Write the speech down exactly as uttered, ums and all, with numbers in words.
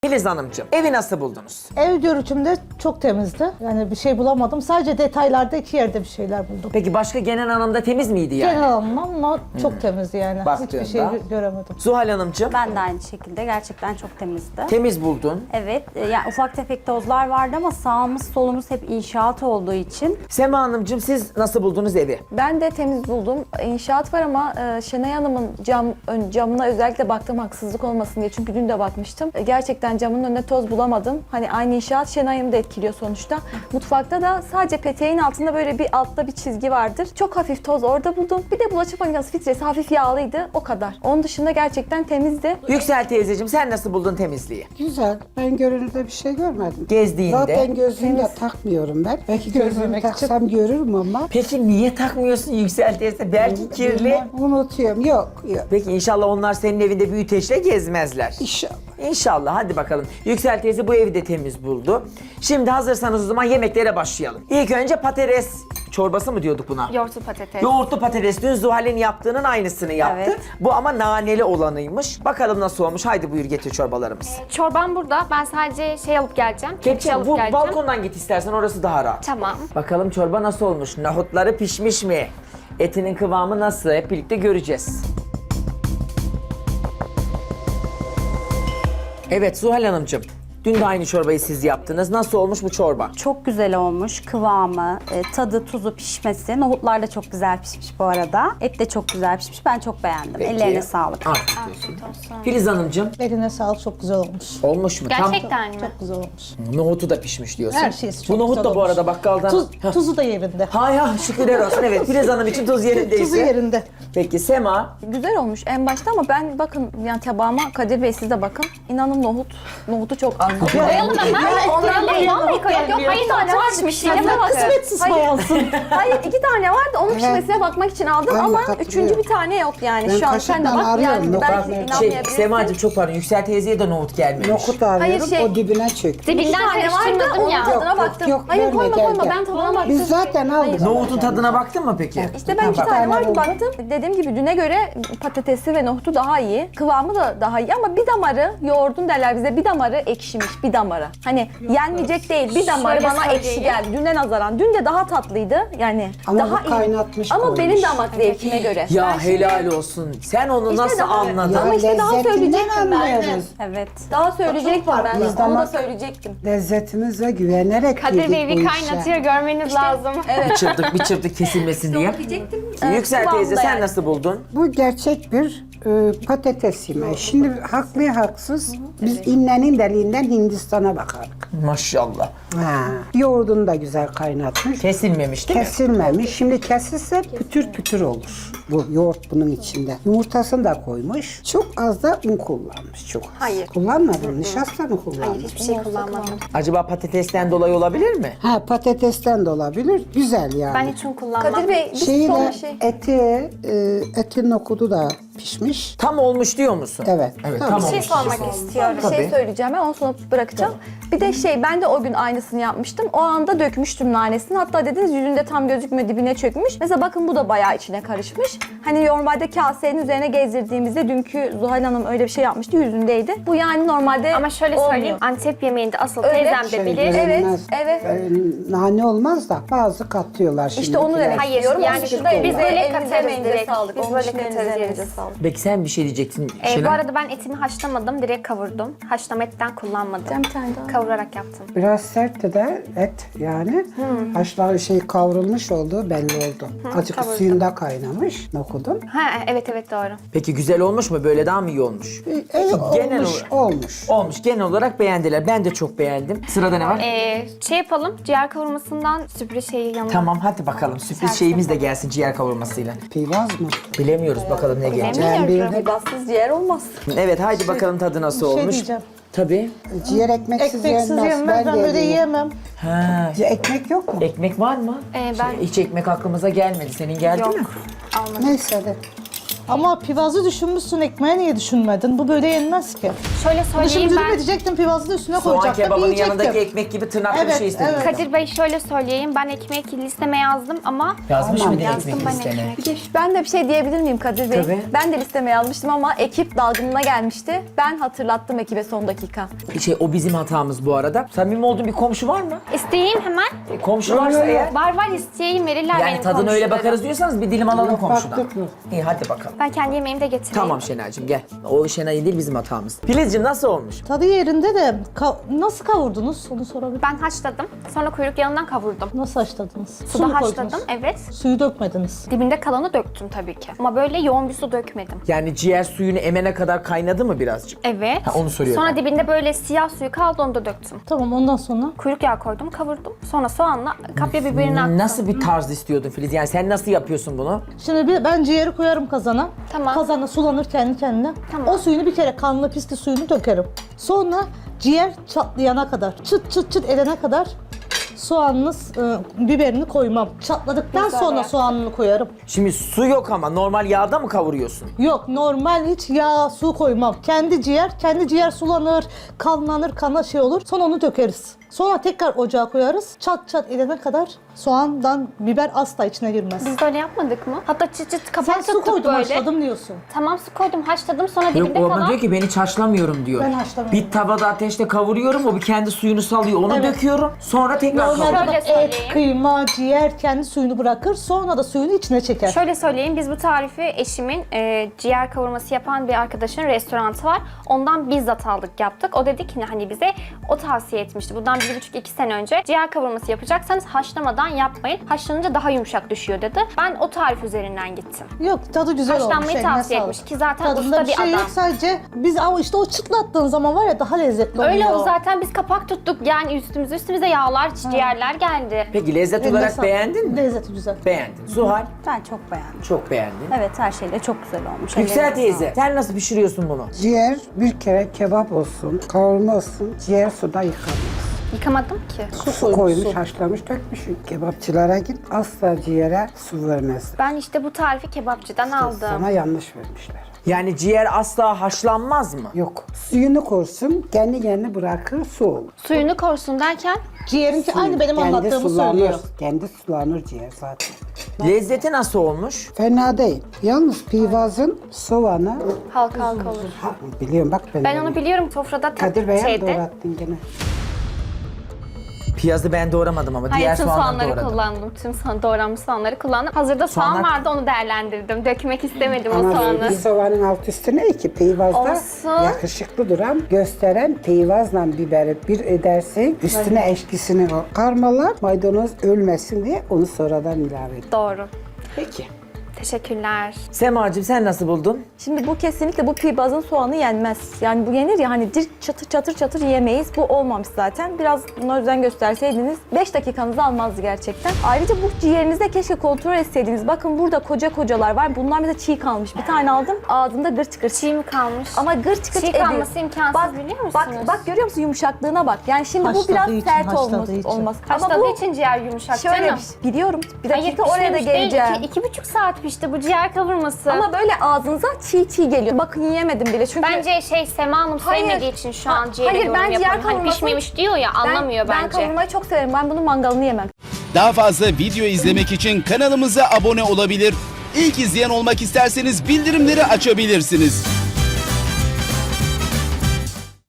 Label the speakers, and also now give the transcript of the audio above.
Speaker 1: Filiz Hanımcığım, evi nasıl buldunuz?
Speaker 2: Ev görüntümde çok temizdi. Yani bir şey bulamadım. Sadece detaylarda iki yerde bir şeyler buldum.
Speaker 1: Peki başka genel anlamda temiz miydi yani?
Speaker 2: Genel anlamda çok temizdi yani.
Speaker 1: Baktığında.
Speaker 2: Hiçbir şey gö- göremedim.
Speaker 1: Zuhal Hanımcığım,
Speaker 3: Ben de aynı şekilde gerçekten çok temizdi.
Speaker 1: temiz buldun.
Speaker 3: Evet, e, yani ufak tefek tozlar vardı ama sağımız solumuz hep inşaat olduğu için.
Speaker 1: Sema Hanımcığım, siz nasıl buldunuz evi?
Speaker 4: Ben de temiz buldum. İnşaat var ama e, Şenay Hanım'ın cam, ön, camına özellikle baktım haksızlık olmasın diye. Çünkü dün de bakmıştım. E, gerçekten camın önünde toz bulamadım. Hani aynı inşaat Şenay Hanım'ı da etkiliyor sonuçta. Mutfakta da sadece peteğin altında böyle bir altta bir çizgi vardır. Çok hafif toz orada buldum. Bir de bulaşık makinesi filtresi hafif yağlıydı. O kadar. Onun dışında gerçekten temizdi.
Speaker 1: Yüksel teyzeciğim, sen nasıl buldun temizliği?
Speaker 5: Güzel. Ben görünürde bir şey görmedim.
Speaker 1: Gezdiğinde.
Speaker 5: Zaten gözlüğümü de takmıyorum ben. Belki gözlüğümü
Speaker 2: Görmemek
Speaker 5: taksam görürüm ama.
Speaker 1: Peki niye takmıyorsun Yüksel teyze? Belki kirli.
Speaker 5: Bilmem, unutuyorum. Yok, yok.
Speaker 1: Peki inşallah onlar senin evinde büyüteçle gezmezler.
Speaker 5: İnşallah.
Speaker 1: İnşallah, hadi bakalım. Yüksel teyze bu evi de temiz buldu. Şimdi hazırsanız o zaman yemeklere başlayalım. İlk önce patates çorbası mı diyorduk buna?
Speaker 4: Yoğurtlu patates.
Speaker 1: Yoğurtlu patates. Dün Zuhal'in yaptığının aynısını yaptı.
Speaker 3: Evet.
Speaker 1: Bu ama naneli olanıymış. Bakalım nasıl olmuş. Haydi buyur getir çorbalarımız.
Speaker 6: Çorbam burada. Ben sadece şey alıp geleceğim. Kepçe
Speaker 1: Kepçe,
Speaker 6: alıp
Speaker 1: bu
Speaker 6: geleceğim.
Speaker 1: balkondan git istersen, orası daha rahat.
Speaker 6: Tamam.
Speaker 1: Bakalım çorba nasıl olmuş? Nohutları pişmiş mi? Etinin kıvamı nasıl? Hep birlikte göreceğiz. Evet Zuhal Hanımcığım, dün de aynı çorbayı siz yaptınız. Nasıl olmuş bu çorba?
Speaker 3: Çok güzel olmuş kıvamı, e, tadı, tuzu, pişmesi. Nohutlar da çok güzel pişmiş bu arada. Et de çok güzel pişmiş. Ben çok beğendim.
Speaker 1: Peki.
Speaker 3: Ellerine sağlık.
Speaker 1: Afiyet olsun. Filiz Hanımcığım,
Speaker 2: Eline sağlık, çok güzel olmuş.
Speaker 1: olmuş mu?
Speaker 6: Gerçekten mi?
Speaker 2: Çok güzel olmuş.
Speaker 1: Tam nohutu da pişmiş diyorsun.
Speaker 2: Her şeysi çok
Speaker 1: Bu nohut
Speaker 2: güzel
Speaker 1: da bu
Speaker 2: olmuş.
Speaker 1: arada bakkaldan...
Speaker 2: Tuz,
Speaker 1: Heh.
Speaker 2: tuzu da yerinde.
Speaker 1: Hay hay, şükürler olsun. Evet, Filiz Hanım için tuz yerindeyse.
Speaker 2: Tuzu yerinde.
Speaker 1: Peki Sema,
Speaker 4: Güzel olmuş en başta ama ben bakın yani tabağıma Kadir Bey siz de bakın. İnanın nohut, nohutu çok az.
Speaker 6: Koyalım hemen.
Speaker 4: Ondan
Speaker 6: Koyalım. Vallahi koyalım. Yok hayır tane var pişmesine bakın.
Speaker 2: Kısmetsiz
Speaker 4: Hayır.
Speaker 2: bayansın.
Speaker 4: Hayır iki tane vardı onun pişmesine bakmak için aldım
Speaker 5: Ben de
Speaker 4: ama
Speaker 5: katılıyorum.
Speaker 4: üçüncü bir tane yok yani
Speaker 5: Ben
Speaker 4: şu an sen de
Speaker 5: kaşıktan
Speaker 4: bak
Speaker 5: arıyorum,
Speaker 4: yani
Speaker 5: nohut
Speaker 4: belki
Speaker 5: nerede?
Speaker 1: şey,
Speaker 4: inanmayabilirsin.
Speaker 1: Semacığım çok pardon, Yüksel teyzeye de nohut gelmemiş.
Speaker 5: Nokut arıyorum,
Speaker 4: şey-
Speaker 5: o dibine çöktü.
Speaker 4: İki
Speaker 6: Dibinden
Speaker 4: tane vardı
Speaker 6: karıştırmadım
Speaker 4: onun
Speaker 6: ya.
Speaker 4: tadına
Speaker 5: Yok,
Speaker 4: baktım.
Speaker 5: yok,
Speaker 4: Hayır
Speaker 5: verme,
Speaker 4: koyma
Speaker 5: gel,
Speaker 4: koyma
Speaker 5: gel.
Speaker 4: ben tadına baktım.
Speaker 5: Biz zaten aldık.
Speaker 1: Nohutun tadına baktın mı peki?
Speaker 4: İşte ben iki
Speaker 1: Ha, bak.
Speaker 4: tane vardı
Speaker 5: oldu.
Speaker 4: baktım. Dediğim gibi düne göre patatesi ve nohutu daha iyi. Kıvamı da daha iyi ama bir damarı yoğurdun derler bize bir damarı ekşimiş bir damarı. Hani yenmeyecek değil bir damarı
Speaker 6: Şöyle
Speaker 4: bana ekşi
Speaker 6: söyleyeyim.
Speaker 4: geldi. Düne nazaran. Dün de daha tatlıydı yani.
Speaker 5: Ama
Speaker 4: daha
Speaker 5: bu kaynatmış
Speaker 4: Ama
Speaker 5: koymuş.
Speaker 4: benim damak zevkime göre.
Speaker 1: Ya helal olsun. Sen onu nasıl
Speaker 4: daha-
Speaker 1: anladın?
Speaker 5: Ya
Speaker 4: Ama işte daha
Speaker 5: lezzetinden
Speaker 4: söyleyecektim ben.
Speaker 5: anlıyoruz.
Speaker 3: Evet.
Speaker 4: Daha söyleyecektim ben.
Speaker 5: Biz
Speaker 4: Onu da
Speaker 5: damak-
Speaker 4: söyleyecektim.
Speaker 5: Lezzetimize güvenerek
Speaker 6: Kadir
Speaker 5: yedik
Speaker 6: Bey
Speaker 5: bu
Speaker 6: bir
Speaker 5: işe.
Speaker 6: kaynatıyor görmeniz lazım.
Speaker 1: Bir çırptık bir çırptık kesilmesin diye. Yüksel
Speaker 4: kıvamda
Speaker 1: teyze sen
Speaker 4: yani.
Speaker 1: nasıl buldun?
Speaker 5: Bu gerçek bir e, patates yemeği. Şimdi haklı haksız biz innenin deliğinden Hindistan'a bakardık.
Speaker 1: Maşallah.
Speaker 5: Ha. Yoğurdunu da güzel kaynatmış.
Speaker 1: Kesilmemiş değil mi?
Speaker 5: Kesilmemiş. Şimdi kesilse pütür pütür olur. Bu yoğurt bunun içinde. Yumurtasını da koymuş. Çok az da un kullanmış. Çok az.
Speaker 6: Hayır.
Speaker 5: Kullanmadın. Nişasta mı kullandın?
Speaker 6: Hiçbir şey kullanmadım.
Speaker 1: Acaba patatesten dolayı olabilir mi?
Speaker 5: Ha patatesten de olabilir. Güzel yani.
Speaker 6: Ben hiç un kullanmadım.
Speaker 4: Kadir Bey bir
Speaker 5: Şeyi
Speaker 4: son
Speaker 5: de
Speaker 4: şey.
Speaker 5: eti, e, etin nokudu da pişmiş.
Speaker 1: Tam olmuş diyor musun?
Speaker 5: Evet.
Speaker 1: Evet
Speaker 5: Tabii.
Speaker 1: tam
Speaker 6: Bir şey
Speaker 1: olmuş.
Speaker 6: sormak istiyorum.
Speaker 4: Bir şey
Speaker 1: Tabii.
Speaker 4: söyleyeceğim ben onu sonra bırakacağım. Bir de şey ben de o gün aynısını yapmıştım. O anda dökmüştüm nanesini. Hatta dediniz yüzünde tam gözükmüyor dibine çökmüş. Mesela bakın bu da bayağı içine karışmış. Hani normalde kasenin üzerine gezdirdiğimizde dünkü Zuhal Hanım öyle bir şey yapmıştı yüzündeydi. Bu yani normalde
Speaker 6: Ama şöyle
Speaker 4: olmuyor.
Speaker 6: söyleyeyim. Antep yemeğinde asıl
Speaker 4: Öyle.
Speaker 6: teyzem de
Speaker 5: Şey
Speaker 6: bilir.
Speaker 5: görünmez.
Speaker 4: Evet, evet.
Speaker 5: E, nane olmaz da bazı katıyorlar şimdi.
Speaker 4: İşte onu demek
Speaker 6: Hayır,
Speaker 4: istiyorum.
Speaker 6: yani
Speaker 4: Onun dışında
Speaker 6: biz
Speaker 4: bize
Speaker 6: böyle
Speaker 4: elinize
Speaker 6: katarız
Speaker 4: emeğinize
Speaker 6: direkt.
Speaker 4: sağlık.
Speaker 6: Biz
Speaker 4: Onun
Speaker 6: böyle
Speaker 4: için elinize
Speaker 6: katarız
Speaker 4: emeğinize
Speaker 6: yeriz.
Speaker 4: sağlık.
Speaker 1: Peki sen bir şey diyecektin.
Speaker 6: Ee,
Speaker 1: Şenay.
Speaker 6: bu arada ben etimi haşlamadım, direkt kavurdum. Haşlama etten kullanmadım.
Speaker 4: Bir tane daha.
Speaker 6: Kavurarak yaptım.
Speaker 5: Biraz sertti de et yani. Haşlar şey kavrulmuş olduğu belli oldu. Azıcık
Speaker 6: kavurdum.
Speaker 5: suyunda kaynamış nokudun.
Speaker 6: Ha evet evet doğru.
Speaker 1: Peki güzel olmuş mu? Böyle daha mı iyi olmuş?
Speaker 5: Evet
Speaker 1: Genel
Speaker 5: olmuş,
Speaker 1: olarak-
Speaker 5: olmuş.
Speaker 1: Olmuş. Genel olarak beğendiler. Ben de çok beğendim. Sırada ne var?
Speaker 6: Ee, şey yapalım, ciğer kavurmasından sürpriz şeyi yanına.
Speaker 1: Tamam hadi bakalım. Sürpriz
Speaker 6: Servis
Speaker 1: şeyimiz de gelsin ciğer kavurmasıyla.
Speaker 5: Pivaz mı?
Speaker 1: Bilemiyoruz bakalım ne gelecek.
Speaker 6: Bilemiyorum.
Speaker 5: Cembirde
Speaker 4: Bassız ciğer olmaz.
Speaker 1: Evet haydi bakalım tadı nasıl
Speaker 2: Bir şey
Speaker 1: olmuş.
Speaker 2: diyeceğim.
Speaker 1: Tabii.
Speaker 5: ciğer ekmeksiz,
Speaker 2: Ekmeksiz
Speaker 5: yenmez.
Speaker 2: yenmez, ben böyle
Speaker 5: de
Speaker 2: yiyemem.
Speaker 1: Ha.
Speaker 5: Ekmek yok mu?
Speaker 1: Ekmek var mı?
Speaker 6: Ee, ben-
Speaker 1: Hiç ekmek aklımıza gelmedi. Senin geldi
Speaker 6: Yok.
Speaker 1: mi?
Speaker 6: Almadım.
Speaker 5: Neyse de.
Speaker 2: Ama pivazı düşünmüşsün, ekmeği niye düşünmedin? Bu böyle yenmez ki.
Speaker 6: Şöyle
Speaker 2: Bunu şimdi
Speaker 6: söyleyeyim
Speaker 2: dürüm
Speaker 6: ben.
Speaker 2: edecektim, pivazı da üstüne
Speaker 1: Soğan
Speaker 2: koyacaktım,
Speaker 1: kebabının
Speaker 2: yiyecektim.
Speaker 1: yanındaki ekmek gibi tırnaklı bir
Speaker 2: Evet,
Speaker 1: şey istedim.
Speaker 2: evet.
Speaker 6: Kadir Bey şöyle söyleyeyim. Ben ekmek listeme yazdım ama
Speaker 1: Yazmış
Speaker 5: Tamam,
Speaker 1: mıydı
Speaker 6: yazdım
Speaker 1: ekmek
Speaker 6: ben
Speaker 1: listene?
Speaker 6: ekmek.
Speaker 4: Bir de ben de bir şey diyebilir miyim Kadir Bey?
Speaker 1: Tabii.
Speaker 4: Ben de listeme yazmıştım ama ekip dalgınlığına gelmişti. Ben hatırlattım ekibe son dakika.
Speaker 1: Şey, o bizim hatamız bu arada. Samimi olduğun bir komşu var mı?
Speaker 6: İsteyeyim hemen.
Speaker 1: E, komşu varsa eğer.
Speaker 6: Var var isteyeyim verirler
Speaker 1: Yani
Speaker 6: benim
Speaker 1: tadına öyle
Speaker 6: komşularım.
Speaker 1: bakarız diyorsanız bir dilim alalım komşudan.
Speaker 5: Baktık mı?
Speaker 1: İyi hadi bakalım.
Speaker 6: Ben kendi yemeğimi de getireyim.
Speaker 1: Tamam Şenay'cığım gel. O Şenay değil bizim hatamız. Filizciğim nasıl olmuş?
Speaker 2: Tadı yerinde de ka- nasıl kavurdunuz? Onu sorabilir.
Speaker 6: Ben haşladım. Sonra kuyruk yağından kavurdum.
Speaker 2: Nasıl haşladınız? Su mu
Speaker 6: Suda
Speaker 2: koydunuz?
Speaker 6: haşladım. Evet.
Speaker 2: Suyu dökmediniz.
Speaker 6: Dibinde kalanı döktüm tabii ki. Ama böyle yoğun bir su dökmedim.
Speaker 1: Yani ciğer suyunu emene kadar kaynadı mı birazcık?
Speaker 6: Evet.
Speaker 1: Ha, onu soruyorum.
Speaker 6: Sonra dibinde böyle siyah suyu kaldı, onu da döktüm.
Speaker 2: Tamam, ondan sonra
Speaker 6: Kuyruk yağı koydum, kavurdum. Sonra soğanla kapya biberini attım.
Speaker 1: Nasıl bir tarz istiyordun Filiz? Yani sen nasıl yapıyorsun bunu?
Speaker 2: şimdi bir, ben ciğeri koyarım kazana.
Speaker 6: Tamam.
Speaker 2: Kazanda sulanır kendi kendine.
Speaker 6: Tamam.
Speaker 2: O suyunu bir kere, kanlı pisli suyunu dökerim. Sonra ciğer çatlayana kadar, çıt çıt çıt edene kadar soğanınız, e, biberini koymam. Çatladıktan
Speaker 6: Güzel
Speaker 2: sonra
Speaker 6: ya.
Speaker 2: soğanını koyarım.
Speaker 1: Şimdi su yok ama normal yağda mı kavuruyorsun?
Speaker 2: Yok, normal hiç yağ, su koymam. Kendi ciğer, kendi ciğer sulanır, kanlanır, kana şey olur. Sonra onu dökeriz. Sonra tekrar ocağa koyarız. Çat çat edene kadar soğandan biber asla içine girmez.
Speaker 6: Biz böyle yapmadık mı? Hatta çıt çıt kapak
Speaker 2: Sen su
Speaker 6: tuttuk
Speaker 2: koydun,
Speaker 6: böyle.
Speaker 2: haşladım diyorsun.
Speaker 6: Tamam, su koydum, haşladım. Sonra
Speaker 1: Yok
Speaker 6: dibinde
Speaker 1: o ama
Speaker 6: kalan...
Speaker 1: diyor ki ben hiç haşlamıyorum diyor.
Speaker 2: Ben haşlamıyorum.
Speaker 1: Bir tavada ateşte kavuruyorum, o bir kendi suyunu salıyor, onu
Speaker 2: Evet.
Speaker 1: döküyorum. Sonra tekrar
Speaker 2: Normalde
Speaker 1: kavuruyorum.
Speaker 6: Şöyle
Speaker 2: bak, et,
Speaker 6: söyleyeyim.
Speaker 2: kıyma, ciğer kendi suyunu bırakır. Sonra da suyunu içine çeker.
Speaker 6: Şöyle söyleyeyim, biz bu tarifi eşimin e, ciğer kavurması yapan bir arkadaşın restoranı var. Ondan bizzat aldık, yaptık. O dedi ki hani bize o tavsiye etmişti. Bundan bir buçuk iki sene önce ciğer kavurması yapacaksanız haşlamadan yapmayın. Haşlanınca daha yumuşak düşüyor dedi. Ben o tarif üzerinden gittim.
Speaker 2: Yok, tadı güzel olmuş.
Speaker 6: Haşlanmayı
Speaker 2: eline
Speaker 6: tavsiye
Speaker 2: sağlık.
Speaker 6: etmiş ki zaten
Speaker 2: Tadında
Speaker 6: usta
Speaker 2: bir
Speaker 6: bir
Speaker 2: şey
Speaker 6: adam.
Speaker 2: yok, sadece biz ama işte o çıtlattığın zaman var ya daha lezzetli oluyor.
Speaker 6: Öyle oldu zaten, biz kapak tuttuk. Yani üstümüze üstümüze yağlar, ciğerler geldi.
Speaker 1: Peki lezzet
Speaker 2: Eline
Speaker 1: olarak
Speaker 2: sağlık.
Speaker 1: beğendin mi?
Speaker 2: Lezzeti güzel.
Speaker 1: Beğendin. Zuhal
Speaker 3: Ben çok beğendim.
Speaker 1: çok beğendin.
Speaker 3: Evet, her şeyle çok güzel olmuş.
Speaker 1: Yüksel
Speaker 3: Ellerine
Speaker 1: teyze
Speaker 3: sağlık.
Speaker 1: sen nasıl pişiriyorsun bunu?
Speaker 5: Ciğer bir kere kebap olsun, kavurma olsun, ciğer suda yıkanmaz.
Speaker 6: Yıkamadım ki.
Speaker 2: Su,
Speaker 5: Su koymuş,
Speaker 2: su.
Speaker 5: haşlamış, dökmüş. Kebapçılara git, asla ciğere su vermez.
Speaker 6: Ben işte bu tarifi kebapçıdan aldım.
Speaker 5: Sana yanlış vermişler.
Speaker 1: Yani ciğer asla haşlanmaz mı?
Speaker 5: Yok. Suyunu korsun, kendi kendine bırakır, su olur.
Speaker 6: Suyunu korsun derken
Speaker 2: Ciğerinki aynı benim
Speaker 5: Kendi
Speaker 2: anlattığımı
Speaker 5: sulanır,
Speaker 2: söylüyor.
Speaker 5: Kendi sulanır ciğer zaten.
Speaker 1: Lezzeti nasıl olmuş?
Speaker 5: Fena değil. Yalnız pivazın soğanı,
Speaker 6: halka halka olur.
Speaker 5: ha, biliyorum bak ben.
Speaker 6: Ben onu biliyorum, sofrada
Speaker 5: Kadir Bey'e mi
Speaker 6: şeyde.
Speaker 5: doğrattın gene?
Speaker 1: Piyazı ben doğramadım ama
Speaker 6: Hayır,
Speaker 1: diğer
Speaker 6: tüm
Speaker 1: soğanları
Speaker 6: soğanları
Speaker 1: doğradım.
Speaker 6: kullandım. Tüm soğan, doğranmış soğanları kullandım. Hazırda soğan
Speaker 1: Soğanlar-
Speaker 6: vardı, onu değerlendirdim. Dökmek istemedim o
Speaker 5: Ama
Speaker 6: soğanı.
Speaker 5: bir soğanın alt üstü ne ki? Peyvazda
Speaker 6: Olsun.
Speaker 5: yakışıklı duran, gösteren peyvazla biberi bir edersin. Üstüne eşkisini o karmalar, maydanoz ölmesin diye onu sonradan ilave et.
Speaker 6: Doğru.
Speaker 1: Peki.
Speaker 6: Teşekkürler.
Speaker 1: Semacığım sen nasıl buldun?
Speaker 4: Şimdi bu kesinlikle bu pibazın soğanı yenmez. Yani bu yenir ya hani direkt çatır çatır çatır yemeyiz. Bu olmamış zaten. Biraz buna özen gösterseydiniz beş dakikanızı almazdı gerçekten. Ayrıca bu ciğerinizde keşke kontrol etseydiniz. Bakın burada koca kocalar var. Bunlar mesela çiğ kalmış. Bir tane aldım ağzında gırç gırç.
Speaker 6: Çiğ mi kalmış?
Speaker 4: Ama gırç gırç
Speaker 6: Çiğ
Speaker 4: ediyor.
Speaker 6: kalması imkansız,
Speaker 4: bak,
Speaker 6: biliyor musunuz?
Speaker 4: Bak, bak görüyor musun yumuşaklığına bak. Yani şimdi bu
Speaker 2: Haşladığı
Speaker 4: biraz
Speaker 2: için,
Speaker 4: sert
Speaker 2: haşladığı
Speaker 4: olmaz.
Speaker 2: için.
Speaker 4: olmaz. Ama
Speaker 6: Haşladığı
Speaker 4: bu
Speaker 6: için ciğer yumuşak
Speaker 4: şöyle
Speaker 6: canım.
Speaker 4: bir- biliyorum. Bir
Speaker 6: Hayır,
Speaker 4: dakika oraya da
Speaker 6: pişmemiş değil.
Speaker 4: geleceğim.
Speaker 6: İki, iki buçuk saat pişti bu ciğer kavurması.
Speaker 4: Ama böyle ağzınıza çiğ çiğ geliyor. Bakın yiyemedim bile çünkü...
Speaker 6: Bence şey Sema Hanım
Speaker 4: Hayır.
Speaker 6: sevmediği için şu an
Speaker 4: Ha-
Speaker 6: ciğere
Speaker 4: hayır,
Speaker 6: yorum
Speaker 4: ben ciğer
Speaker 6: yapıyorum. Hani
Speaker 4: kavurmasını-
Speaker 6: pişmemiş diyor ya,
Speaker 4: Ben-
Speaker 6: anlamıyor
Speaker 4: ben,
Speaker 6: bence.
Speaker 4: kavurmayı çok severim. Ben bunun mangalını yemem.
Speaker 7: Daha fazla video izlemek için kanalımıza abone olabilir. İlk izleyen olmak isterseniz bildirimleri açabilirsiniz.